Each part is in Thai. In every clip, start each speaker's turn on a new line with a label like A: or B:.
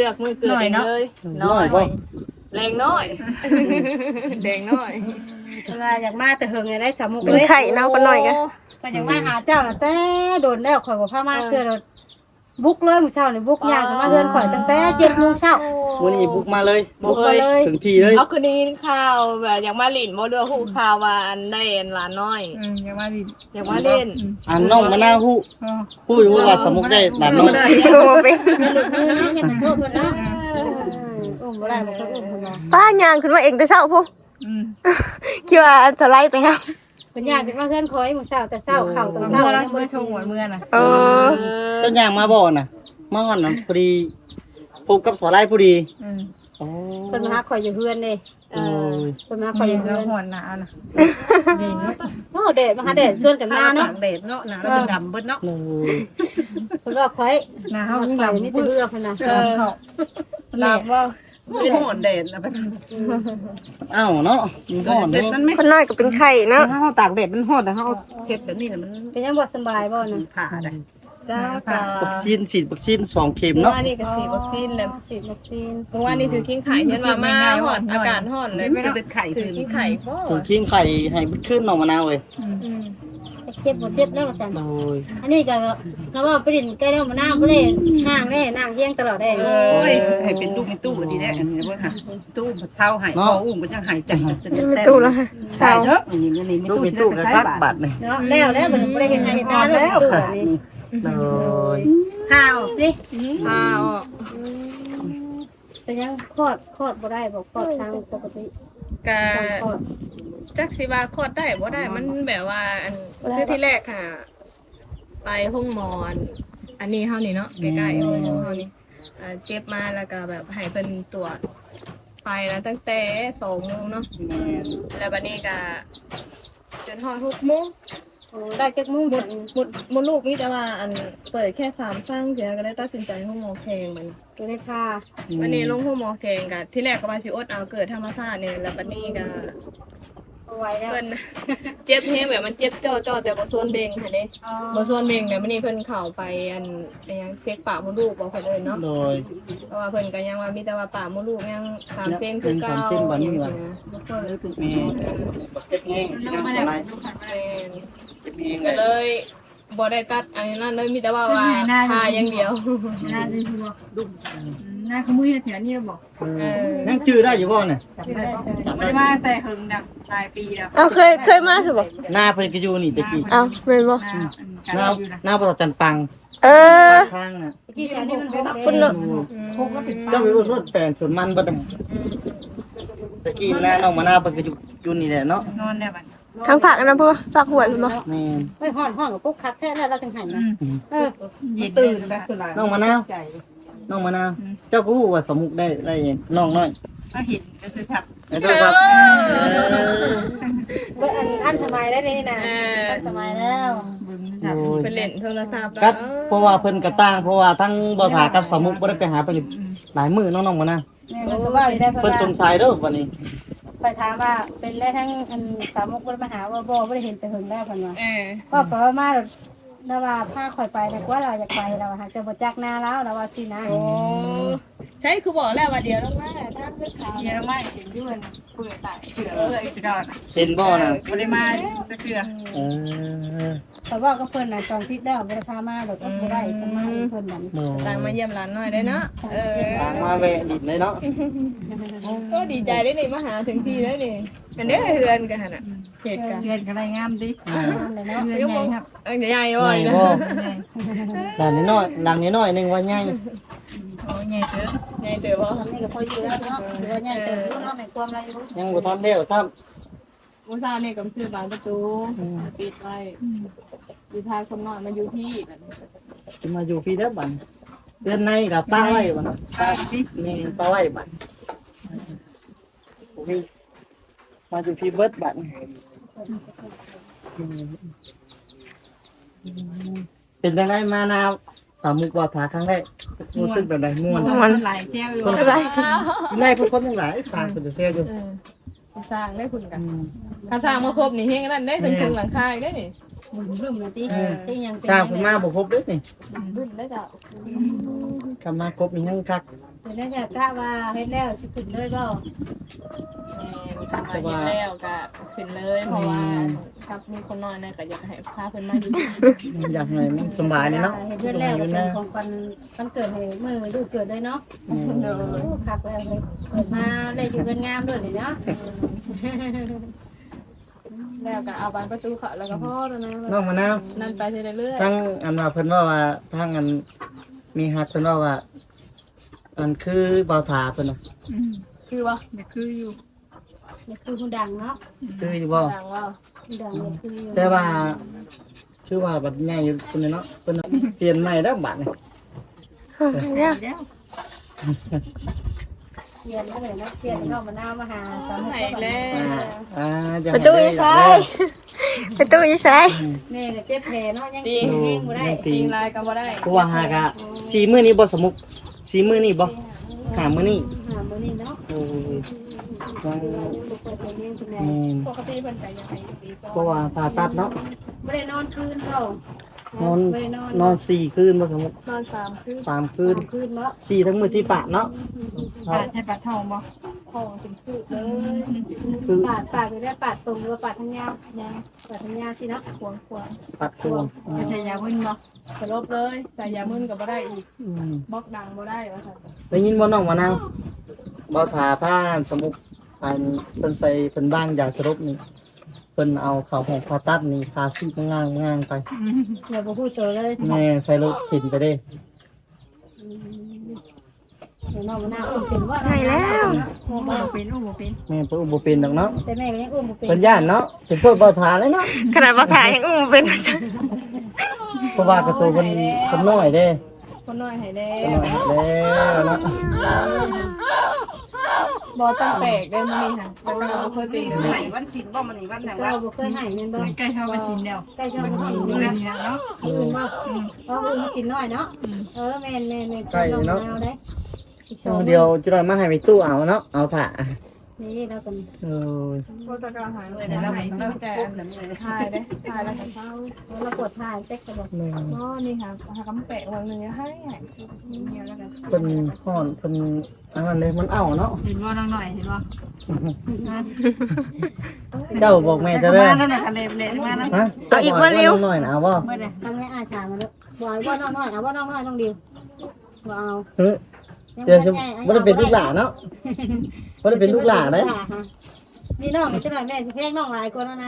A: ลือกมือเกิดเองเลย
B: น้อยบ่
A: แรงน้อยแดงน้อย
C: เวลาอยากมาแต่เฮิงไงได้สามุก
D: เป็นไข่เนาะปะหน่อยกัน
C: ก็อยากมาหาเจ้าน่ะแต่โดนแล้วข่อยบ่พามาเทื่อเราบุกเลยมื้อเช้านี่บุกยางมาเฮือนข่อยตั้งแต่7:00 นเช้า
B: วันนี้บุกมาเลย
C: บุกมาเลย
B: ถึงที่เลย
A: เอาคืนนี้ข่าวแบบอยากมาหลินบ่เรือฮู้ข่าวว่าอันได้อันหลานน้อย
E: อย่ามาดิ
A: อยากมาเล่น
B: อันน้องมะนาวฮู้อยู่ว่าสมุกได้หลานน้อย
D: บ่เป็น
C: ยังเป็นโทษเพิ่นนะบ่ได้บ่เคยเพิ่นว่า
D: ป้าย่างขึ้นมาเองแต่เช้าพุคิดว่าสไลด์ไปครับ
C: เพิ่นอยากจะมาเฮือนข่อยมื้อเช้าแต่เช้าเข้าตอน
E: เมื่
C: เช้า
E: อ
C: แล้ว
E: เมื่อชงหัวเมื่อน่ะ
D: เออ
B: เจ้าย่างมาบ่น่ะมาฮอดน่ะพอดีพบกับสไลด์พอดีโอ้
C: เพิ่นมาหาข่อยอยู่เฮือนนี่
B: โอ้ย
C: เพิ่นมาหาข่อยอยู่เฮื
E: แล้
C: อ
E: วน หัวหนาวนะ
C: โอ้แดดมาหาแดดชวนกันมาเนาะ
E: เด็ดเนาะหนาวแล้วดำเบิดเนาะ
B: โอ้ย
C: เพิ่นว่าข่อย
E: หนาว
C: ข่อย
E: ยิ่ง
C: นี่
E: ดำ
C: แต่
E: เบิด
C: เรือเพิ่นน่ะ
A: หลับว่า
E: ไม่หัวเด็ดนะเป็น
B: อ้าวเนาะมันฮ้อน
E: เด็ด
B: เนาะ
E: มันไม่
D: คนน้อยก็เป็นไข่เนาะ
E: ถ้าเขาตากเด็ดมันหดแต่เขาเช็ดแบบนี้มัน
C: เป็นยังบ่สบายบ่น่ะ
E: ผ่าได้
A: จ้า
B: วัคซีนฉีดวัคซีน2เข็ม
A: เมื่อ
B: เนาะ
A: วานนี้ก็ฉีดวัคซีนแล้ว
C: ฉีดวัคซีน
A: เมื่อวานนี้ถือกิ้งไข่เห็นว่ามาหอดอากาศหอดเลย
E: ไม่ได้เป็นไข่
A: ถื
E: คื
A: อน กิ้งไข่ก็
B: ถึงทิ้งไข่ให้ขึ้นน้องมะนาวเลย
C: เจ็บบ่เจ็บแล้วว่าซั่น
B: โอ้ย
C: อันนี้ก็ว่าไปดินใกล้แล้วมาน้ำบ่ได้ห่างแน่นั่งเฮียงตลอดได้
E: โอ้ยให้เป็นตู้เป็นตู้ดีแน่อันนี้ว่าค่ะตู้เท้าหายคออุ้มก็ยังหายใจจะ
D: ไม่ตู้แล้ว
E: ใช่เนาะอันนี้นี่ไม่
B: ลูก
E: ตู้
B: เป็นตู้กระคักบัตรนี่
C: เนาะแล้วบ่ได้เห็นหน้าเห็นตาแล้วนี่
B: โอ้ย
C: ข้าวสิ
A: ข้าว
C: เป็นยังคลอดบ่ได้บ่คลอดทางปกติ
A: กะ
C: คลอด
A: จักสิว่าคลอดได้บ่ได้มันแบบว่าอันคือที่แรกค่ะ ไปห้องหมอนอันนี้เฮานี่เนาะใกล้ๆห้องเฮานี่เจ็บมาแล้วก็แบบให้เพิ่นตรวจไปแล้วตั้งแต่2 โมงเนาะแล้วบัดนี้ก็จนฮอด6 โมง
C: โอ้ได้จักมุ้ง
A: หมดลูกนี่แต่ว่าอันเปิดแค่3ครั้งเสียก็ได้ตัดสินใจห้องหมอแขงมัน
C: ตัวได้ค่า
A: วันนี้ลงห้องหมอแขงก็ที่แรกก็ว่าสิอดเอาเกิดธรรมชาตินี่แล้วบัดนี้ก็
C: เอาไว้แล้ว
A: เพิ่น เจ็บแฮงแบบมันเจ็บจ่อๆแต่บ่ส่วนเบ่งหั่นเด้บ่ส่วนเบ่งเนี่ยมื้อนี้เพิ่นเข้าไปอันยังเช็คปากมดลูกบ่ค่อยเลยเนาะ
B: โดย
A: เพราะว่าเพิ่นก็ยังว่ามีแต่ว่าปากมดลูกยัง3เซนคือเก่า
B: 3เซนบ่นี่ว่ะ แม่เจ็บแห้งอะไร
A: ก็เลยบ่ได้ตัดอันนี้นั่นเลยมีแต่ว่าทาอย่างเดียว
E: หน้าเป็นหัวดุ่มหน้าขมุ้ยแถวนี้บอก
B: ยังจื้อได้อยู่บ่เนี่ย
E: ไม่ได้มาแต่หึงดับหลายปีแล้ว
D: เอาเคยมาสิบ่
B: หน้าเพิ่นก็อยู่นี่ตะกี้
D: เอาแม่นบ่
B: หน้าหน้าบ่จันปัง
D: เออ
B: ทางน่ะ
C: ที่แถวนี้มันเป็น
D: คุณเนาะ
B: เจ้าไปรถแฟนสวนมันบ่ได้ตะกี้หน้าน้องมะนาวเพิ่นก็อยู่นี่แหละเนาะ
E: นอนได้บัด
D: ทางผักอันนั้นพุ่นบ่ผักหวยพุ่นบ่
B: แม่น
C: ไม่ฮ้อนกับปุ๊กคักแท้แล้วเราจังหันนะ
E: ยินตื่นแบบ
B: น้องมะนาวน้องมะนาวเจ้าก็ฮู้ว่าสมุกได้น้องน้อย
E: ก็เห็นก็คือทับ
B: ไอ้เจ้าครับ
C: อันสบายแล้วนี่นะสบายแล้ว
E: บึ้ม
B: โอ้ย
A: เป็นเล่นโทรศัพท์
B: ครับ เพราะว่าเพิ่นก็ต่างเพราะว่าทั้งบ่ถากับสมุกบ่ได้ไปหาเพิ่นหลายมื้อน้องๆมะนาว
C: แม่ก็ว่าอยู่ได้เพราะ
B: เพิ่นสงสัยเด้อวันนี้
C: ไปถามว่าเป็นแล้วทั้งอันสามุกบ่มาหาว่าบ่ได้เห็นแต่หึงแล้วเพิ่นว่า
A: เออ
C: ก็เพราะว่าแล้วว่าพาข่อยไปแต่ว่าเราอยากไปเราหาจะบ่จักหน้าแล้วเราว่าสินะ
A: โอ้ใช่คือบอกแล้วว่าเดี๋ยวต้องมาถ้าเลือกขาว
E: เยอะมากเห็นยื่นเปื่อยตายเถื่อเลยจะดอน
B: เห็นบ่น่ะ
E: ไม่ได้มาจะเถื่อ
B: เออ
C: แต่ว่าก็เพิ่นน่ะ2ทิศแล้วบ่ได้พามาดอกก็บ่ได้ก็มาเพิ่นนั่น
B: โอ้
A: ต่างมาเยี่ยมร้านหน่อยได้เนาะเออ
B: ต่างมาแวะดินเลยเนาะ
A: ก็ดีใจได้นี่มาหาถึงที่ได้นี่อันนี้เฮือนกันน่ะเหตุการณ์
E: เงินก็ได้งามดิ
C: เลยเนาะ
E: เงินใหญ่ครับ
A: ใหญ่
B: ให
A: บ่
B: ญ่
A: นะ
B: บ่หลังน้อยหลังน้อยนึงว่าใหญ่
E: โอ้ใหญ่เด้อ
A: ใหญ่เด้อบ่
C: นี่ก็พออยู่แล้วเนาะเดี๋ยวเนี่ยเติมเนาะไม่ความอะไรรู้
B: ยังบ่ทันแล้วครับ
A: มื้อเช้านี่ก็ซื้อบานประตูปิดไว้สิพาคนน้อยมาอยู่ที่แบบนี้
B: สิมาอยู่พี่เด้อบัดเดือนในกับป้าไว้บ่นะป้านี่ป้าไว้บัดโอ้ยมาอยู่พี่เบิดบัดเป็นจังไดมานาสามุกว่าถาครั้งแรกรู้สึกแบบใดม่วน
E: มันหลายแก้วอยู่
D: อะไร
B: ได้พวกคนทั้งหลายสร้างเพิ่นจะเสียอยู่
A: สร้างได้คุณกันถ้าสร้างมาครบนี่เฮงนั่นได้ถึงหลังคาได้นี่
C: บึ้มเลยติที่ยัง
B: สร้างเพิ่นมาบ่ครบเด้อนี่
A: บึ้นได้จ้ะ
B: คำมาครบนี่ยังคัก
C: เดี๋ยวได้จะกะว่าเฮ็ดแล้วสิขึ้นเลยบ่
A: แม่นทำมาเฮ็ดแล้วก็ขึ้นเลยเพราะว่าครับมีคนน้อยนะก็อยากให้พาเพิ่นมาอยู่
B: อยากให้มันสบายเลยเนาะ
C: เฮ็ดเพื่อนแล้วก็เป็นของวันเกิดให้มื้อมันดูเกิดเลยเนาะโอ้คักแล้วเลยเกิดมาได้อยู่กันงามด้วยนี่เนาะ
A: แล้วก็เอาบานประตูเขาแล้วก็พอแล้วนะ
B: น้องมะนาว
A: นั่นไปเรื่อย
B: ทั้งอันว่าเพิ่นว่าทางอันมีฮักเพิ่นว่าอันคือเบาถาเพิ่นน่ะ
A: ๆคือว่า
E: นี่คืออยู่
C: นี่คือผู้ดังเนาะ
B: คืออยู่บ่
A: ดังว่า
C: ผู้ดังนี่คือ
B: แต่ว่าชื่อว่าบัดใหญ่อยู่เพิ่นเนาะเพิ่นเปลี่ยนใหม่แล้วบัดนี่
D: เนี่ย
E: แล้ว
C: เรียนมาเลยนะเรียนเข้ามานาวมาหาสาม
A: ไหนแล้ว
B: จะ
D: ประตูอยู่ซ้ายประตูอยู่ซ้าย
C: แม่ก็เจ็บแผลเนาะยัง
A: จริง
C: เฮงบ่ได้
A: จริงลายก็บ่ได้
B: กูว่าหากะสีมื้อนี้บ่สมุกสีมื้อนี้บ่หามื้อนี้
C: หามื้อนี้เนาะ
B: โอ้ยยัง
C: บ่เปิดไปเลี้ยงคุณแม่
A: ปกติเพิ่นก็ยังให้ปีก่อน
B: เพราะว่าผ่าตัดเนาะ
C: บ่ได้นอนคืนเนาะ
B: นอน
C: บ่ได้นอน
B: นอน4คืนบ่สมุก
A: นอน3คืน
B: 3คืน
C: คืนเนาะ
B: 4ทั้งมื้อที่ปะเนาะ
E: ปาดให้ปาดทองบ่
A: ห้องเป็นคืบเลย
B: คือ
C: ปาดไปได้ปาดตรงหรือว่าปาดทางยาวยังปาดทางยาวสิเนาะ
A: ขวาง
B: ปัดควง
E: ไม่ใช่ยาวิ่งบ่
A: ๆสลบเลยใส่ยามึนก็บ่ได้อีก
B: อืม
A: บล็อกดังบ่ได้ว่าซั่น
B: ได้ยินบ่น้องมะนาวบ่ทาผ้าสมุกอันเพิ่นใส่เพิ่นบ้างยาสลบนี่เพิ่นเอาเข้าห้องผ่าตัดนี่คาซีกง่างๆไป
C: อย่าบ่พูดตัวเลย
B: แม่ใส่รถเข็นไปเด้
C: เดี๋ยวน้องมันน่าอุ้มเป็นว่า
D: ไหนแล้ว
E: บ่เป็นบ่เป็น
B: แม่เพิ่นบ่เป็นดอกเนาะ
C: แต่แม่ก็ยังอุ้มบ่เป็น
B: เพิ่นย่านเนาะเป็นโทษบ่ทาเลยเนาะ
D: ขนาดบ่ถ่ายยังอุ้มเป็น
B: เพราะว่ากระตูเพิ่นคนน้อยเด้
A: คนน้อยให้แล้
B: คนน้อยแล้วเนาะ
A: บ่ต้องแปลกได้มื้อนี้ค่ะแต่ก็บ่เคยเป็นเลย
E: ไหนวันศิลบ่มันนี่วันไหน
C: เรา
E: วะ
C: บ่เคยให้แม่นบ่
E: ใกล้เข้าวันศิลแล้ว
C: ใกล้เจ้าบ่ให้
E: อยู่
C: เนาะ
E: นี่เนาะ
C: อื่นบ่เพราะอื่นมันสิน้อยเนาะแม่นเอาได้อีกสอง
B: เดี๋ยวจะได้มาให้ไปตู้เอาเนาะเอาถ่า
C: นี่เรากัน
B: เออ
A: โคตรกระหายเลย
E: แต่
A: นะ
E: เรา
A: เรา
E: ไม่
A: ไม่
E: ต้
A: ต้
E: อ
A: อง ง
E: แต่
A: แต่
E: แบบนี้
A: ถ่ายเด้ถ่ายแล้วก็เข้า
C: เรากดถ่ายเต็กก็บอก
B: แม่
A: อ๋อนี่ค่ะหากำแปะวันหนึงให้เมียแล้วกัน
B: เพิ่นฮ้อนเพิ่นอันนั้นเลยมันเอาเนาะ
E: เห็นว่าน้องหน่อยเห็นว่า
B: เจ้าบอกแม่จะ
E: เด้
B: เด้
E: อ
B: อ
E: นั่นน่ะเละๆมานะ
B: ฮะเอาอีกบ่เร็วหน่อยนะเอาบ่
E: เมื่อใด
C: ทำให้อาชามาเลยบ่อยว่าน้อยเอาว่าน้อยน้องดิวบ่เอา
B: เฮ้ยเดี๋ยวจะบ่ได้เป็นลูกหลานเนาะบ่ได้เป็นลูกหลานเด้
C: นี่น้องจะหน่อยแม่สิแพงน้องหลายคนแล้วนะ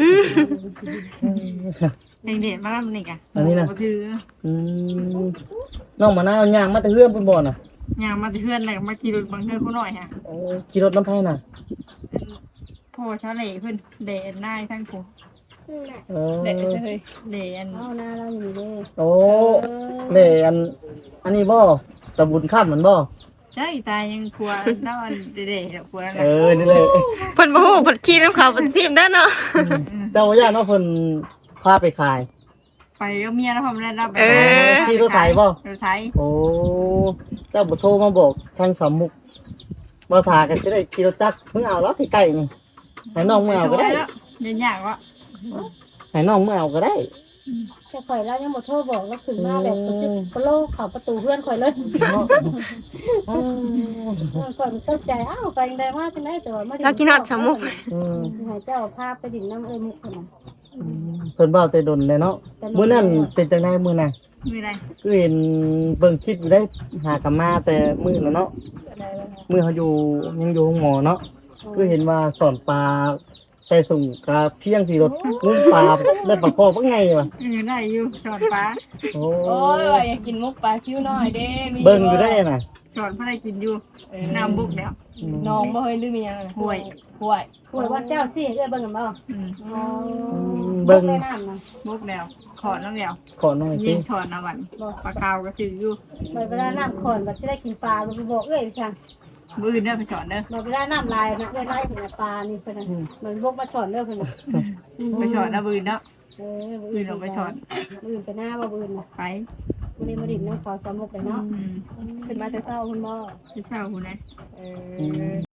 E: เด็ดๆมาแล้วมันนี่กะ
B: อันนี้นะ
E: ก็คือ
B: อืมน้องมะนาวย่างมาแต่เฮือนเพิ่นบ่น่ะ
E: ย่างมาที่เพื่อนอะไรมาขี่รถบังเทิงเขาหน่อยฮะ
B: โอ้ขี่รถน้ำไผน่ะ
E: พ่อชาเล่เพื่อนเดนได้ทั้งกู
B: เออ
A: เด็กเลย
E: เดน
C: เอาหน้าเราอยู่เลย
B: โอ้เล่อันนี้บ่ตะบุญข้ามมันบ่
E: ใช่ตายยังกลัวน้าวันเดๆกลัวอะไร
B: เออนี่เลย
D: เพิ่นบ่ฮู้เพิ่นขี่นำเขาเพิ่นทีมเด้อเนาะ
B: เจ้าย่าเนาะเพิ่นพาไปขาย
E: ไปก็เมียแล้วผมได้รับไป
B: ขี่รถไถบ่
E: รถไถ
B: โอ้เจ้าบ่โทรมาบอกทางสามมุกบ่ทากันจะได้ขี่รถจักรมึงเอาแล้วที่ใกล้นี่ให้น้องมึงเอาก็ได้
E: เดินยากวะ
B: ให้น้องมึงเอาก็ได้
C: จะข่อยแล้วยังบ่โทรบอกแล้วขึ้นมาแบบกระโลกเข้าประตูเพื่อนข่อยเลย
B: เนาะอืม
C: ข่อยตกใจอ้าวไปยังได้มาจังได๋แต่ว่ามา
D: เรากินฮอดสมุก
B: อืม
C: ให้เจ้าพาไปดิ่งน้ำเอ้ยมุกคนนั้น
B: เพิ่นเว้าแต่ดนเลยเนาะมื้อนั้นเป็นจังไดมื้อน่ะ
E: มีอะไร
B: คือเห็นเบิ่งคลิปอยู่ได้หากลับมาแต่มื้อน่ะเนาะมื้อเขาอยู่ยังอยู่ห้องหมอเนาะคือเห็นว่าสอนปลาใส่ส่งกาเที่ยงที่รถงุ้มปลาได้ปลาคอบ่ไงวะ
E: ได้อยู่สอนฟ้า
B: โอ้
A: โอ้ยอยากกินมุกปลาคิ้วหน่อยเด้มี
B: เบิ่งอยู่ได้น่ะ
E: สอนพระได้กินอยู่น้ำบุกแล้ว
A: น้องบ่เฮ้ยลืมมีหยังน่ะ
E: ห่วย
A: ห่วย
C: ข่อยว่าเจ้าสิเอ้ยเบิ่งกันบ่
B: อืมเบิ่ง
C: ได้น้ำนะ
E: บุกแล้วขอน้ำแล้ว
B: ขอหน่อยสิ
E: ยิงถอนน้ำวันปลาขาวก็ถืออยู่
C: เวลาน้ำขอนบัดสิได้กินปลาบ่บอกเอ้ยจัง
E: มือเด้อไปสอนเด้อ
C: เวลาน้ำลายนะเอ้ยไล่ถึงปลานี่เพิ่นน่ะเหมือนพวกมาสอนเด้อเพิ่นน่ะ
E: ไปสอนนะมือเนาะ
C: มื้
E: มือลงไปสอน
C: อื่นไปหน้าบ่อื่นน่ะ
E: ไป
C: บ่ได้มาดินน้ำขอสามุกเลยเนาะ
A: ขึ้นมาแต่เช้าคุณบ่
E: ที่เช่าคุณนะ
A: เอ
B: อื
A: อ
B: ม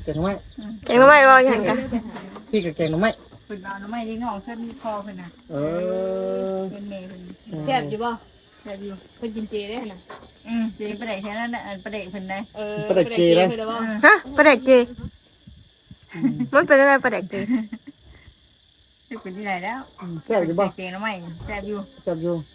B: แกงหน่อไม้
D: แกงหน่อไม้บ่ยังจ้ะ
B: พี่กับแกงหน่อไม้
E: เพิ่นเอาหน่อไม้ยิงงอกเพิ่นคอเพิ่นน่ะ
B: เออ
E: เพิ่นแม่เพิ่น
A: แซ่บอยู่บ่แซ่บอยู่เพิ่นกินเจได้น่ะ
E: เจ๊ประเด็กแค่นั้นน่ะประเด็กเพิ่นได้
B: ประเด็กเกเลย
A: เพิ่นได้บ่
D: ฮะปลาแดกเจมันเป็นอะไรปลาแดกเจ
E: สิเป็นที่ไหนแล้ว
B: แซ่บอยู่บ่
E: เก่งหน่อไม้แซ่บอยู่
B: แซ่บอยู่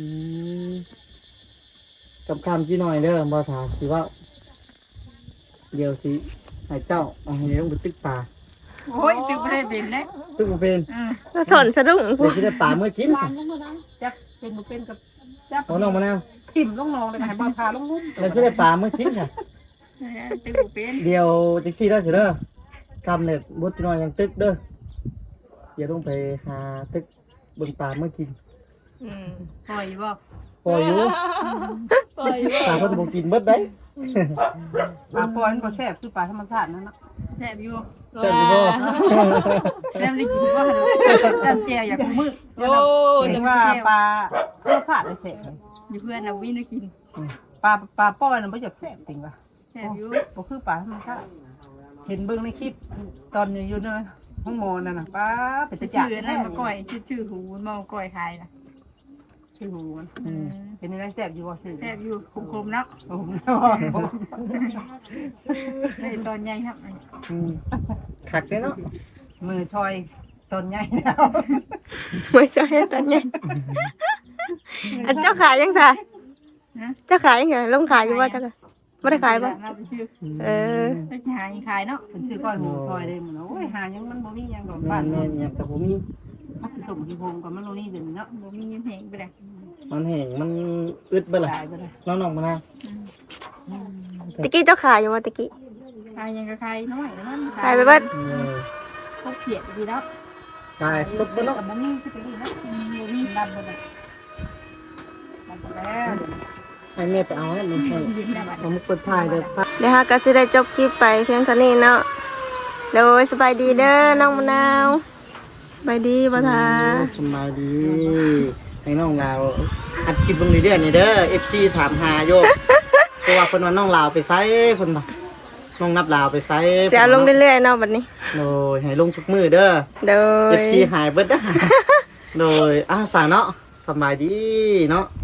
B: กับคำจีหน่อยเด้อบ่ถามสิว่าเดี๋ยวสิให้เจ้าเอาให้ลงไปตึกปลา
E: โอ้ยตึกบ่ได้เป็นเด้
B: ตึกบ่เป็น
D: แล้วสนสะดุ้ง
B: เดี๋ยวสิได้ปลาเมื่อกิน
E: จับเป็นบ่เป็นกับ
B: เอาน้องมะนาว
E: ทิ่มลงนองเลยให้บ่พาลงงุ้ม
B: แล้วสิได้ปลาเมื่อกินค่ะ
E: ตึกบ่เป็น
B: เดี๋ยวจักซี่ได้สิเด้อกำเนี่ยบดจีหน่อยยังตึกเด้อเดี๋ยวต้องไปหาตึกเบิ่งปลาเมื่อกิน
E: ปล่อยบ่
B: พออยู่
A: ปล่อยบ่
B: ปลาเพิ่นบ่กินเบิดได้
E: ปลาปล่อยมันบ่แซ่บคือปลาธรรมชาตินั่นน่ะแซ่บอยู่
B: แซ่บอยู่บ่
E: แซ่บได้กินบ่จำแจ่วอยากมื้อ
A: โอ้
E: แต่ว่าปลาธรรมชาติได้แซ่บอยู่เพื่อนน่ะวินกินปลาปล่อยน่ะบ่อยากแซ่บจริงว่ะแซ่บอยู่บ่คือปลาธรรมชาติเห็นเบิ่งในคลิปตอนอยู่ในห้องหมอนั่นน่ะป้าเป็นตะจักชื่อนั่นมาก้อยชื่อหูมาก้อยขายน่ะชื่อหูมันเป็นอะไรแซ่บอยู่บ่ชื่อแซ่บอยู่คมๆเนาะในตอนใหญ่ครับ
B: คักเด้เนาะ
E: มือชอยตอนใหญ่แล้ว
D: ไม่ใช่ตอนนี้อันเจ้าขายยังจ้ะเจ้าขายยังไงลงขายอยู่ว่าจ้ะไม่ได้ขายป่ะ
E: น่าจะชื่อ
D: เออ
E: จะหาขายเนาะเป็นชื่อก้อยหูชอยเลยมันโอ้ยหายังมันบ่มียังดอกบ้าน
B: แม่
E: เนาะ
B: นๆแต่ผมมี
E: ถ้าผสมที่โฮมกับมันโนนี่เดี๋ยวนี้เนาะบ่มีแหงไปเลย
B: มันแห้งมันอึดเบิดล่ะ
E: ตายไปเลย
B: น้องๆมานะ
D: ตะกี้เจ้าขายอยู่ว่าตะกี้
E: ขายยังก็ขายน้อยแล้วมัน
D: ขายไปเบิด
E: เขาเขียดดีแล้ว
B: ตายลดเบิดเนาะ
E: แต่มันนี่คือดีนะมีมีดำไปเลยดำไปแล้ว
B: ให้แม่ไปเอาให้มันใช่
E: ยินได้บัด
B: เอามาเปิดถ่ายเด้อป้า
D: เดี๋ยวฮะก็จะได้จบคลิปไปเพียงเท่านี้เนาะโดยสบายดีเด้อน้องมะนาวสบายดีบ่ทา
B: สบายดีให้น้องลาวอัดคลิปเบิ่งเรื่อยๆนี่เด้อ FC ถามหาโยกเพราะว่าเพิ่นว่าน้องลาวไปไสเพิ่นว่าน้องนับลาวไปไส
D: เสียลงเรื่อยๆเนาะบัดนี้
B: โดยให้ลงทุกมื้อเด้อ
D: โดย
B: FC หายเบิดเด้อโดยสาเนาะสบายดีเนาะ